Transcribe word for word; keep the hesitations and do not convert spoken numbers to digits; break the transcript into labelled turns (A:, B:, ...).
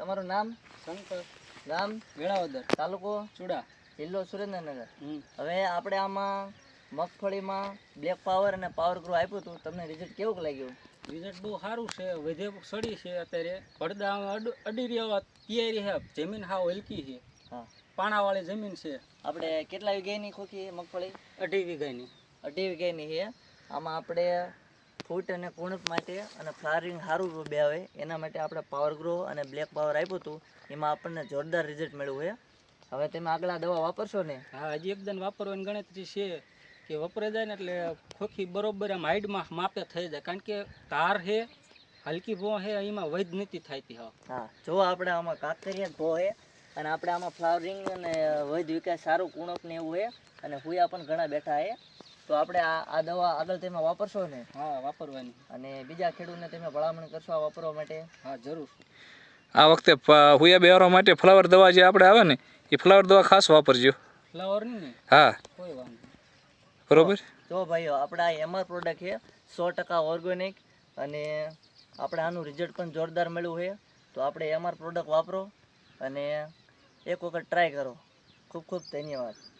A: તમારું નામ?
B: શંકર.
A: ગામ?
B: વેળાવદર.
A: તાલુકો?
B: ચુડા.
A: જિલ્લો સુરેન્દ્રનગર.
B: હમ.
A: હવે આપણે આમાં મગફળીમાં બ્લેક પાવર અને પાવર ગ્રો આપ્યું હતું, તમને રિઝલ્ટ કેવું લાગ્યું?
B: રિઝલ્ટ બહુ સારું છે. વધે સડી છે અત્યારે. પડદા અડી રહ્યા તૈયારી છે. જમીન હાવ હલકી છે.
A: હા,
B: પાણાવાળી જમીન છે.
A: આપણે કેટલા વીઘાની ખોખી મગફળી?
B: અઢી વીઘાની.
A: અઢી વીઘાની છે. આમાં આપણે ફૂટ અને કુણપ માટે અને ફ્લાવરિંગ સારું બે આવે એના માટે આપણે પાવર ગ્રો અને બ્લેક પાવર આપ્યું હતું. એમાં આપણને જોરદાર રિઝલ્ટ મળ્યું છે. હવે તમે આગળ આ દવા વાપરશો ને?
B: હા, હજી એકદમ વાપરવાની ગણતરી છે કે વપરાઈ જાય ને એટલે ખોખી બરોબર આમ હાઈડમાં માપે થઈ જાય. કારણ કે તાર છે, હલકી ભો છે, એમાં વૈધ નથી થતી. હા
A: હા, જો આપણે આમાં કાંકરિયા ભો છે અને આપણે આમાં ફ્લાવરિંગ અને વૈધ વિકાસ સારું કુણપ ને એવું છે અને હુયા પણ ઘણા બેઠા છે. તો આપણે આ આ દવા આગળ તમે વાપરશો ને?
B: હા, વાપરવાની.
A: અને બીજા ખેડૂતને તમે ભલામણ કરશો આ વાપરવા માટે?
B: હા, જરૂર.
C: આ વખતે હુયા બેહરવા માટે ફ્લાવર દવા જે આપણે આવે ને એ ફ્લાવર દવા ખાસ વાપરજો.
B: ફ્લાવર ને?
C: હા,
B: કોઈ વાંધો નહીં.
C: બરોબર.
A: જો ભાઈઓ, આપણે આ એમઆર પ્રોડક્ટ છે, સો ટકા ઓર્ગેનિક અને આપણે આનું રિઝલ્ટ પણ જોરદાર મળ્યું છે. તો આપણે એમઆર પ્રોડક્ટ વાપરો અને એક વખત ટ્રાય કરો. ખૂબ ખૂબ ધન્યવાદ.